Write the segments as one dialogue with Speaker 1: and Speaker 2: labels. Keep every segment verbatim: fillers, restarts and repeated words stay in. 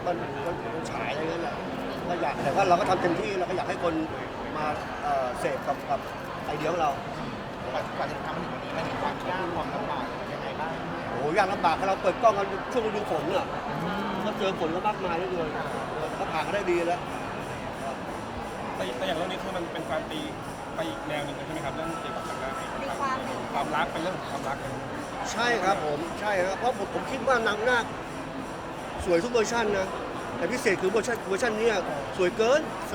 Speaker 1: มันมันมันฉายอะไรเงี้ยแหละก็อยากแต่ว่าเราก็ทำเต็มที่เราก็อยากให้คนมาเอ่อเสพกับกับไอเดียของเรา
Speaker 2: กว่าจะทำมาถึงวันนี้มันมีความยากความลำบากยังไงบ้าง
Speaker 1: โอ้ยากลำบากเราเปิดกล้องกันช่วงฤดูฝนเนี่ยก็เจอฝนก็มากมายเหลยเลยก็ผ่านก็ได้ดีแล้ว
Speaker 3: แต่แต่อย่างเรื่องนี้คือมันเป็นการตีไปอีกแนวหนึ่งใช่ไหมครับเรื่องเกี่ยวกับทางด้าน
Speaker 4: มีความ
Speaker 3: ความรักเป็นเรื่องของความรัก
Speaker 1: ใช่ครับผมใช่ครับเพราะผมผมคิดว่านางนาคสวยทุกเวอร์ชันนะแต่พิเศษคือเวอร์ชันเวอร์ชันนี้สวยเกิน
Speaker 2: สวย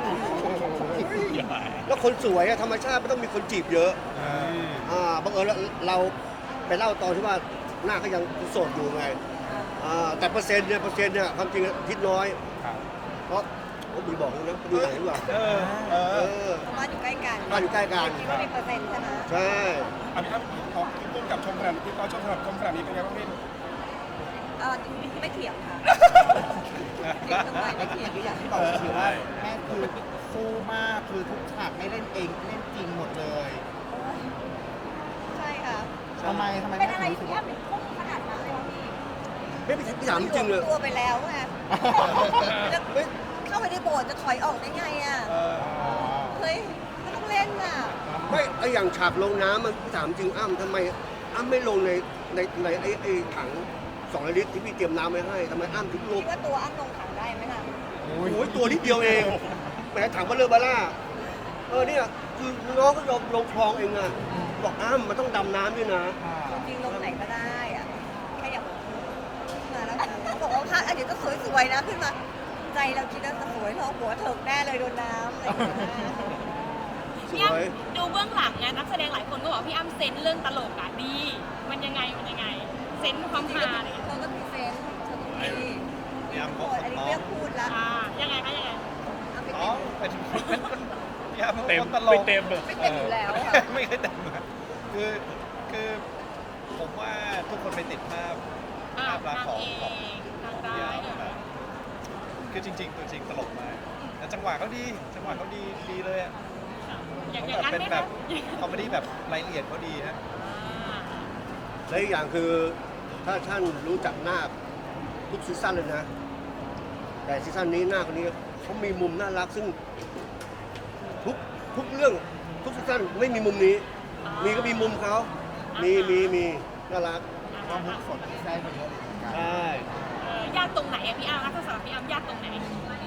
Speaker 1: แล้วคนสวยอะธรรมชาติไม่ต้องมีคนจีบเยอะอ่าบังเอิญเราเราไปเล่าตอนที่ว่าหน้าก็ยังโสดอยู่ไงอ่าแต่เปอร์เซ็นต์เนี่ยเปอร์เซ็นต์เนี่ยความจริงคิดน้อย
Speaker 3: ครับ
Speaker 1: เพราะผมมีบอกเลยนะดูหนังดีกว่า
Speaker 3: เออเอ
Speaker 1: เอ
Speaker 3: อ
Speaker 1: อ
Speaker 4: บ้านอยู่ใกล้กัน
Speaker 1: บ้านอยู่ใกล้กัน
Speaker 4: คิดว่ามีเปอร์เซ็นต์ใช่ไหม
Speaker 1: ใช่
Speaker 3: อ่ะพี่ครับขอพี่ปุ้มกับชมขนาดพี่ก็ชมขนาดชมขนาดนี้เป็นไงบ้างพี่
Speaker 4: เออไม่เถียงค่ะเถียงทำไมไม่เถียงอยู่อย่างที่
Speaker 2: ที่
Speaker 4: บบ อ
Speaker 2: อก กคือว่าแม่คือสู้มากคือทุกฉากไม่เล่นเองเล่นจริงหมดเลย
Speaker 4: ใช่ค่ะ
Speaker 2: ทำไมทำไม
Speaker 4: เป็น
Speaker 2: แม่
Speaker 4: อะไร
Speaker 2: ถึงรู้สึ
Speaker 4: ที่
Speaker 2: กว่า
Speaker 4: ทำเป็นพุ่งขนาดนั้นเลยพี่
Speaker 1: ไม่ไปถามจริงๆเลย
Speaker 4: ตัวไปแล้วไงจะเข้าไปในโบสถ์จะถอยออกได้ไงอ่ะ
Speaker 3: เออ
Speaker 4: เฮ้ยไม่ต้องเล่นอ่ะ
Speaker 1: ไม่ไออย่างฉากลงน้ำมันถามจริงอ้ำทำไมอ้ำไม่ลงในในในไอไอถังสองลิตรที่พี่เตรียมน้ำไว้ให้ทำไมอ้ำถึงลง
Speaker 4: คิดว่าตัวอ้ำลงถังได้ไหมล่ะ
Speaker 1: โอ้ยตัวนิดเดียวเองแหมถังเบลเลอร์บาร่าเออเนี่ยคือน้องก็ยอมลงคลองเองอะบอกอ้ำมันต้องดำน้ำด้วยนะ
Speaker 4: จริงๆลงไหนก็ได้อ่ะแค่อย่างมาแล้วบอกว่าพระอันเดี๋ยวจะสวยๆนะขึ้นมา ใจเราคิดว่าจะสวยทองหัวเถิกแน่เลยโดนน้ำอะไรอย่างเงี้ย
Speaker 1: ส
Speaker 5: พี่อ้ำ
Speaker 1: วย
Speaker 5: ดูเบื้องหลังไงนักแสดงหลายคนก็บอกพี่อ้ำเซนส์เรื่องตลกอะดี มันยังไงมันยังไง เซนส์ความ
Speaker 4: จริง
Speaker 5: ฮา
Speaker 4: ๆ
Speaker 5: อะไรอย่าง
Speaker 4: เธ
Speaker 5: เงี้ย
Speaker 4: อก็พรีเซนต์เธอก็มี
Speaker 2: พี่อ้ำ
Speaker 4: พูดอันนี้เรียกพูดละ
Speaker 5: อ่ายังไงคะยังไง
Speaker 4: เอาไป
Speaker 2: อ๋อ
Speaker 4: เต็ม
Speaker 2: เป็นเป็นพี่อ้ำ
Speaker 3: เต็ม
Speaker 2: ตล
Speaker 3: ไม่
Speaker 2: ก
Speaker 3: เต็มเลย
Speaker 4: ไม่เต็มอยู่แล้วค่ะ
Speaker 2: ไม่เคยแต่งมาคือคือผมว่าทุกคนไปติดภาพ
Speaker 5: อ่า
Speaker 2: ภาพลักษ
Speaker 5: นาง
Speaker 2: ณ์ของ
Speaker 5: เอ
Speaker 2: ของ
Speaker 5: กนางร้ายอะ
Speaker 2: คือจริงๆตัวจริงตลกมากแต่จังหวะเขาดีจังหวะเขาดีดีเลยอ่ะ
Speaker 5: อย่าง
Speaker 2: เขา
Speaker 5: อย่าง
Speaker 2: แบบ
Speaker 5: นั้น
Speaker 2: เป็น
Speaker 5: ไหม
Speaker 2: แบ
Speaker 5: คะ
Speaker 2: บคอมเมดี้แบบรายละเอียดเขาดีฮะ
Speaker 5: อ่า
Speaker 1: และอีกอย่างคือถ้าท่านรู้จักนาคทุกซีซั่นเลยนะ แต่ซีซั่นนี้นาคคนนี้เขามีมุมน่ารักซึ่งทุกทุกเรื่องทุกซีซั่นไม่มีมุมนี้ มีก็มีมุมเขามีมีมีน่ารัก
Speaker 2: ก็มุกสดที่ได้มาเยอะเลยเหมือนกัน
Speaker 1: ใช่
Speaker 5: เออยากตรงไหนอะพี่อ้ำถ้าสำหรับพี่อ้ำยากตรงไหน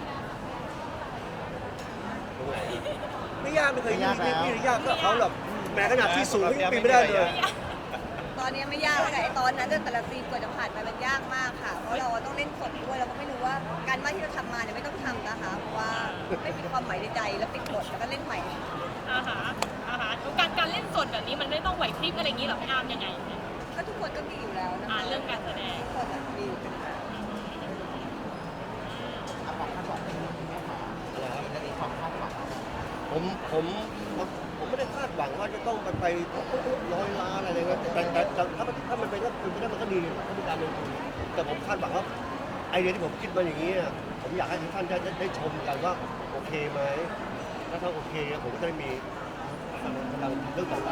Speaker 1: ตรงไหนไม่ยากไม่เคยยากไม่ไม่ยากก็เขาหรอกแม้ขนาดที่สูงยังปีนไม่ได้เลย
Speaker 4: ตอนนี้ไม่ยากแล้วไอ้ตอนนั้นแต่ละซีนกว่าจะผ่านไปมันยากมากค่ะ เพราะเราต้องเล่นสดด้วยเราก็ไม่รู้ว่าการบ้านที่เราทำมาเนี่ยไม่ต้องทำนะคะเพราะว่าไม่มีความหมายในใจแล้วปิดบทแล้วก็เล่นใหม่
Speaker 5: อาหารอาหารการการเล่นสดแบบนี้มันไม่ต้องไหวพริบอะไรอย่างนี้หรอพี่อ้ำยังไง
Speaker 4: ก็ทุกคนก็มีอยู่แล้วนะ
Speaker 5: อ่า
Speaker 4: คะ
Speaker 5: เรื่องการแสดง
Speaker 4: ทุกคนอะมีอยู่แล้ว
Speaker 2: อ่ะความคาดหวังที่แม่มาจะมีความคาดหวัง
Speaker 1: ผมผมผมไม่ได้คาดหวังว่าจะต้องไปไปร้อยล้านอะไรเงี้ยแต่แต่แต่ถ้ามันถ้ามันเป็นก็คือไม่ได้มันก็ดีถ้าเป็นการลงทุนแต่ผมคาดหวังว่าไอเดียที่ผมคิดมาอย่างนี้ยผมอยากให้ทุกท่านได้ได้ชมกันว่าโอเคไหมถ้าท่านโอเคผมก็จะได้มีกำลังเรื่องต่อไป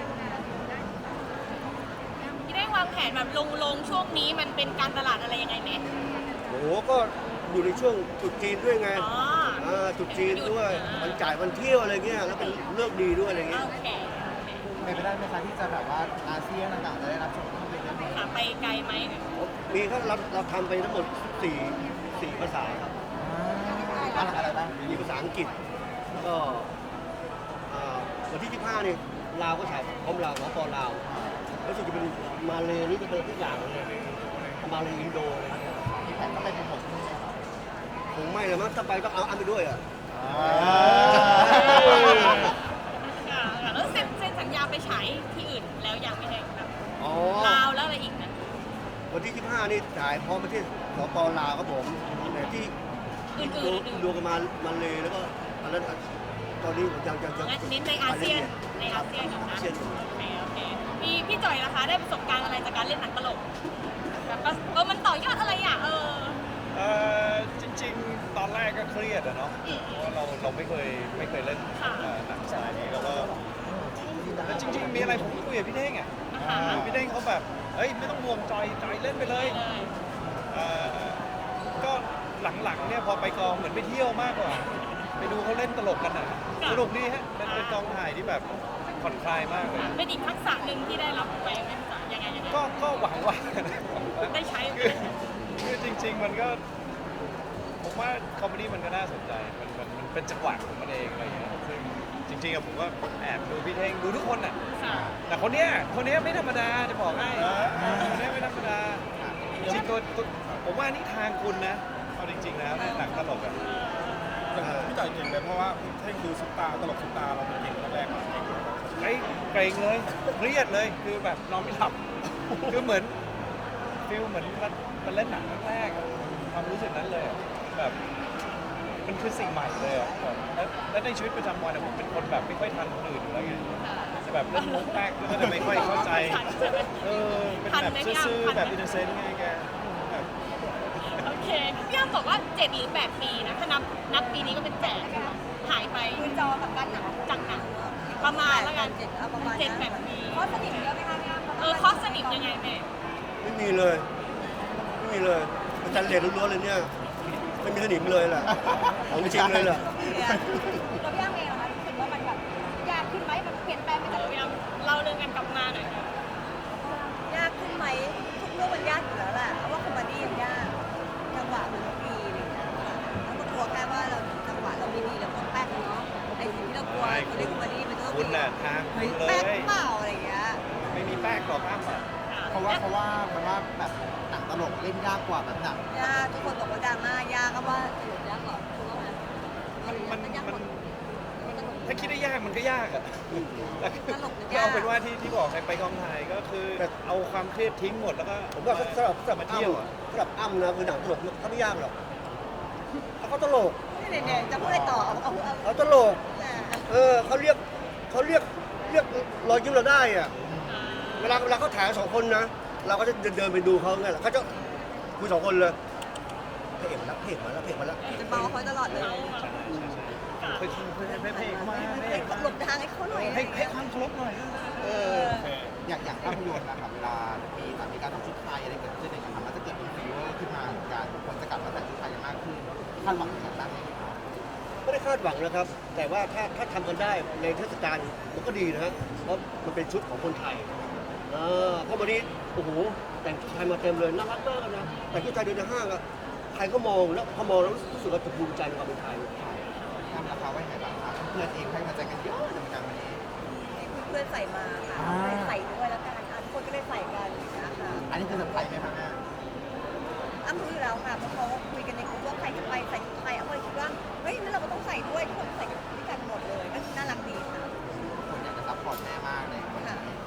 Speaker 5: ที่ได้วางแผนแบบลงลงช่วงนี้มันเป็นการตลาดอะไรยังไงไหม
Speaker 1: โอ้โหก็อยู่ในช่วงตรุษจีนด้วยไง
Speaker 5: อ๋อ
Speaker 1: อ่าตรุษจีนด้วยวันจ่ายวันเที่ยวอะไรเงี้ยแล้วเป็นเลิกดีด้วยอะไรเงี้ย
Speaker 5: โอเค
Speaker 2: เป็นไปได้ไหมคะที่จะแบบว่าอาเซียนต่างๆจะได้รับชมภาพยนตร์เรื่องนี้
Speaker 5: ค่ะไปไกลไหม
Speaker 1: มีถ้าเราเราทำไปทั้งหมดสี่สี่ภาษาครับ
Speaker 2: อ่าอะไรบ้าง
Speaker 1: มีภาษาอังกฤษแล้วก็อ่าวันที่ยี่สิบห้านี่ลาวก็ฉายพร้อมลาวสปลาวแล้วส่วนจะเป็นมาเลยนี่จะเป็นทุกอย่างเลยมาเลยอินโดเลย
Speaker 2: มีแผนก็ไปเป็นหมด
Speaker 1: คงไม่เลยมั้งถ้าไปต้องเอาอันไปด้วยอ่ะ
Speaker 5: ค่ะแล้วเซ็นเซ็นสัญญาไปฉายที่อื่นแล้วยังไม่ได้แบบ
Speaker 1: อ๋อ
Speaker 5: ลาวแล้วอะไรอีกนะ
Speaker 1: วันที่ยี่สิบห้านี่ฉายพร้อมประเทศสปลาวครับผมแต่ที่
Speaker 5: อื่นๆ
Speaker 1: ดู
Speaker 5: อื่น
Speaker 1: ดูกันมามาเลยแล้วก็อันนั้นตอนนี้ผมยังยังยัง
Speaker 5: งั้นเน้นในอาเซียนในอาเซียนอยู่นะ
Speaker 1: อาเซียน
Speaker 5: โอเคโอเคพี่พี่จ่อยนะคะได้ประสบการณ์อะไรจากการเล่นหนังตลกแบบว่าเออมันต่อยอดอะไรอ่ะเออ
Speaker 6: เออจริงๆ ตอนแรกก็เครียดอะเนาะ
Speaker 5: อืม
Speaker 6: เพราะว่าเราเราไม่เคยไม่เคยเล่น
Speaker 5: ค่ะ
Speaker 6: เอ่อหนังสายนี้แล้วก็แต่จริง ๆ มีอะไรผมก็คุยกับพี่เท่งอะ
Speaker 5: อ่าฮะ
Speaker 6: พี่เท่งเขาแบบเฮ้ยไม่ต้องห่วงจอยจอยเล่นไปเลย
Speaker 5: เลย
Speaker 6: เอ่อก็หลังๆเนี่ยพอไปกองเหมือนไปเที่ยวมากกว่า ไปดูเขาเล่นตลกกันอ่ะสนุกดีฮะเป็นเป็นกองถ่ายที่แบบผ่อนคลายมากเลย
Speaker 5: เป็นอีกทักษะหนึ่งที่ได้รับไปไหมจ๊ะยังไงยังไง
Speaker 6: ก็ก็หวังว่า
Speaker 5: ได้ใช้
Speaker 6: คือคือจริง ๆ มันก็ผมว่าคอมเมดี้มันก็น่าสนใจมันมันมันเป็นจังหวะของมันเองอะไรอย่างเงี้ยซึ่งจริงๆอะผมก็แอบดูพี่เท่งดูทุกคนอ่ะ
Speaker 5: ค่ะ
Speaker 6: แต่คนเนี้ยคนเนี้ยไม่ธรรมดาจะบอกให้คนเนี้ยไม่ธรรมดาจริงๆตัวตัวผมว่านี่ทางคุณนะเอาจริงๆแล้วเนี่ยหนังตลกอ่ะ
Speaker 3: อย่างพี่จ่อยเก่งเลยเพราะว่าพี่เท่งคือซุปตาตลกซุปตาเราเป็นเก่งแรกๆมาเก่ง
Speaker 6: ไอ้เกรงเลยเครียดเลยคือแบบนอนไม่หลับ คือเหมือนฟิลเหมือนมันมันเล่นหนังครั้งแรกอะความรู้สึกนั้นเลยอะแบบมันคือสิ่งใหม่เลยอะแบบแล้วแล้วในชีวิตประจำวันอะผมเป็นคนแบบไม่ค่อยทันคนอื่นอยู่แล้วไงจะแบบเล่นมุกแป๊กแล้วก็จะไม่ค่อยเข้าใจเออเป็นแบบซื่อๆแบบอินโนเซนต์ไงแกแบบ
Speaker 5: โอเคพี่อ้ำบอกว่าเจ็ดหรือแปดปีนะถ้านับนับปีนี้ก็เป็นแปดหายไป
Speaker 4: คือจอกับกันหนัง
Speaker 5: จากหนังประมาณแล้วกัน
Speaker 4: เจ็ดเอาประมาณ
Speaker 5: เจ็ด
Speaker 4: นั้น
Speaker 5: แปดปี
Speaker 4: ข้อสนิทเยอะไหมคะพี่อ้ำ
Speaker 5: เออคอสสนิทยังไงแม่
Speaker 1: ไม่มีเลย ไม่มีเลยอาจารย์เรียนล้วนๆเลยเนี่ยไม่มีสนิมเลยแหละของจริงเลยแหละ
Speaker 4: เนี่ยตัวพี่อ้ำเองเหรอคะรู้สึกว่ามันแบบยากขึ้นไหมมันเปลี่ยนแปลงไป
Speaker 5: เอ
Speaker 4: จาก
Speaker 5: อพี่อ้ำเล่าเรื่องกันกลับมาหน่อยค่ะ
Speaker 4: ยากขึ้นไหมทุกเรื่องมันยากอยู่แล้วแหละเพราะว่าคอมเมดี้มันยากจังหวะมันต้องดีอะไรอย่างเงี้ยค่ะแล้วก็กลัวแค่ว่าเราจังหวะเราไม่ดีแล้วก็แป๊กเนาะไอ้สิ่งที่เรากลัวเขาเรียกคอมเมดี้มันก็ต้อง
Speaker 6: คุณ
Speaker 4: มี
Speaker 6: น่ะทางคุณเล
Speaker 4: แป๊ก
Speaker 6: ย
Speaker 4: เปล่าอะไรอย่างเงี้ย
Speaker 6: ไม่มีแป้งหรอกอ้ำอ่ะ
Speaker 7: เพราะว่าเพราะว่าเพราะว่าแบบหนังตลกเล่นยากกว่าแบบหนัง
Speaker 4: ยากทุกคนบอกว่าดราม่ายากก็ว่าสนุกยากกว่าคุณว่าไหม
Speaker 6: มันมัน
Speaker 4: มันยากก
Speaker 6: มัน
Speaker 4: ว่ามันสนุก
Speaker 6: ถ้าคิดได้ยากมันก็ยากอ่ะ
Speaker 4: ตลกมัน
Speaker 6: ก็
Speaker 4: ยาก
Speaker 6: เอาเป็นว่าที่ที่บอกให้ไปกองถ่ายก็คือเอาความเครียดทิ้งหมดแล้วก็
Speaker 1: ผมว่าสำหรับสำหรับ
Speaker 6: มา
Speaker 1: เที่
Speaker 6: เที่
Speaker 1: ย
Speaker 6: ยว ว
Speaker 1: อะ
Speaker 6: อะ
Speaker 1: สำหรับอ้ำนะคือหนังตลกเขาไม่ยากหรอกเขาก็ตลก
Speaker 4: นี่เนี่ยจะพูดอะไรต่อเอาเอาเอา
Speaker 1: เขาตลก
Speaker 4: อ่า
Speaker 1: เออเขาเรียกเขาเรียกเรียกรอยยิ้มเราได้อะเวลาเวลาเขาถ่ายสองคนนะ เราก็จะเดินเดินไปดูเขาไงล่ะเขาจะคุยสองคนเลยเพจมาแล้วเพจมาแล้วเพจมาแล้ว
Speaker 4: จะเบาเขาตลอดเลย
Speaker 6: เฮ้ยเฮ้ยเฮ้ยเฮ้ยเฮ้ยมา
Speaker 4: ให้หลบทางให้เขาหน่อย
Speaker 6: ให้ให้ความเคารพหน่อย
Speaker 1: เอ
Speaker 4: เอ
Speaker 1: อ
Speaker 4: อ
Speaker 3: โอเค
Speaker 7: อย่างอย่างภาพยนตร์นะครับเวลามีแบบมีการทำชุดไทยอะไรเกิดขึ้นเนี่ยนะครับมันจะเกิดเป็นฟีเวอร์ขึ้นมาเหมือนกันคนจะกลับมาแต่งชุดไทยกันมากขึ้นคาดหวังอย่างนั้นไหมครับ
Speaker 1: ไม่ได้คาดหวังนะครับ แต่ว่าถ้าถ้าทำกันได้ในเทศกาลมันก็ดีนะฮะเพราะมันเป็นชุดของคนไทยเออเพราะวันนี้โอ้โหแต่งชุดไทยมาเต็มเลยน่ารักมากนะแต่งชุดไทยเดินในห้างอะใครก็มองแล้วพอมองแล้วรู้สึกว่าจะภูมิใจในความเป็นไทย
Speaker 7: ทำราคาไว้ไหนบ้างครับเพื่อนเองให้กำลังใจกันเยอะเหมือนกันวันนี้
Speaker 4: เพื่อนใส่มาค่ะ
Speaker 7: อ่า
Speaker 4: ใส่ด้วยแล้วกันอ่ะทุกคนก็ได้ใส่กันนะคะ
Speaker 7: อันนี้คือเซอร์ไพรส์ไหมครับแม่
Speaker 4: อ้ำรู้อยู่แล้วค่ะเพราะเขาคุยกันในกลุ่มว่าใครจะไปใส่ชุดไทยอ้ำก็เลยคิดว่าเฮ้ยนั่นเราก็ต้องใส่ด้วยทุกคนใส่ด้วยกันหมดเลยก็น่ารักดีค่ะ
Speaker 7: คนอยากจะซัพพอร์ตแม่มากเลยวัน
Speaker 4: ค่ะ
Speaker 7: นี้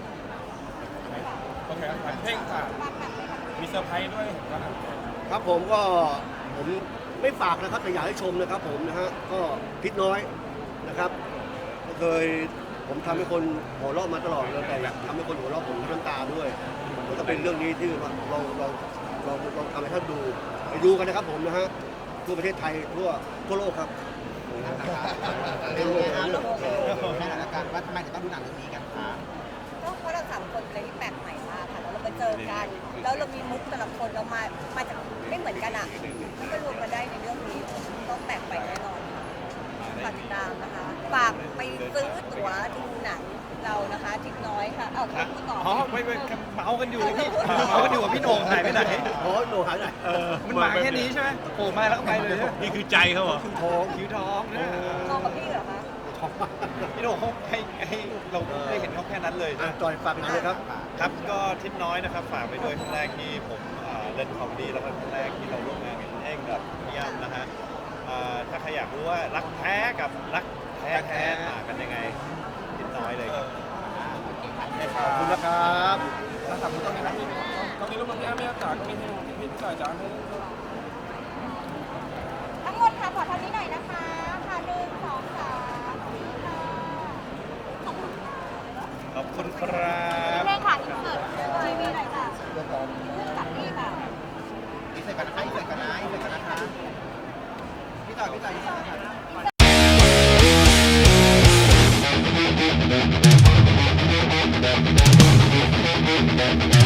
Speaker 3: โอเคครับขวัญเท่งค่ะ
Speaker 4: บ้านหนักเลยค่ะ
Speaker 3: มีเซอร์ไพรส์ด้วยเห็นว่า
Speaker 1: ครับผมก็ผมไม่ฝากนะครับแต่อยากให้ชมนะครับผมนะฮะก็พิษน้อยนะครับก็เคยผมทำให้คนหัวเราะมาตลอดเลยแต่อยากทำให้คนหัวเราะผมมีน้ำตาด้วยมันก็เป็นเรื่องนี้ที่ว่าลองลองลองลองทำให้ท่านดูไปดูกันนะครับผมนะฮะทั่วประเทศไทยทั่วทั่วโลกครับ
Speaker 7: เป็นไงครับแม่หนังละกันว่าทำไมถึงต้องดูหนังเรื่องนี้กันคะ
Speaker 4: ก็เพราะเราสามคนเป็นอะไรที่แปลกใหม่มากค่ะแล้วเรามาเจอกัน แล้วเรามีมุกแต่ละคนเรามามาจากไม่เหมือนกันอ่ะมันก็รวมกันได้ในเรื่องนี้ต้องแปลกใหม่แน่นอนค่ะฝากติดตามนะคะฝากไปซื้อตั๋วดูหนังเรานะคะทิศน้อยค่ะเอ้าพูดต่อ
Speaker 6: อ๋อไม่ไม่เมากันอยู่พี่เมากันอยู่ว่าพี่โหน่งหายไปไหน
Speaker 1: โอ้ยโหนูหายไหน
Speaker 6: มันมาแค่นี้ใช่ไหมโผล่มาแล้วก็ไปเลยใช่ไหม
Speaker 2: นี่คือใจเขาเหรอ
Speaker 1: ท้อง
Speaker 6: คิ้วทองนะ
Speaker 4: มองกับพี่เหรอคะ
Speaker 1: ท้อง
Speaker 6: พี่โหน่งเขาให้ให้เราได้เห็นเขาแค่นั้นเลย
Speaker 1: อ่ะจอยฝากเป็นเลยครับ
Speaker 6: ครับก็ทิศน้อยนะครับฝากไปด้วยครั้งแรกที่ผมอ่าเล่นคอมเมดี้แล้วก็ครั้งแรกที่เราร่วมงานกับพี่เท่งกับพี่ย่ำนะฮะอ่าถ้าใครอยากรู้ว่ารักแท้กับรักแท้แท้ต่างกันยังไงทิศน้อยเลยครับ
Speaker 1: ขอบคุณนะครับ
Speaker 3: แล้วถามคุณตรงนี้นะตรงนี้รูปพี่อ้ำไม่จ๋าตรงนี้ให้พี่จ่อยจ๋าให้
Speaker 4: ทั้งหมดค่ะขอเท่านี้หน่อยนะคะค่ะหนึ่งสองสามสี่ค่ะขอบคุณค่ะ
Speaker 6: ขอบคุณครับ
Speaker 4: เรื่องค่ะอินเสิร์ตทีวีหน่อยค่ะเรื่องกับนี่ค่ะ
Speaker 7: อีเสร็จกันนะคะอีเสร็จกันนะอีเสร็จกันนะคะพี่ต่อพี่ต่ออีเสร็จกันนะ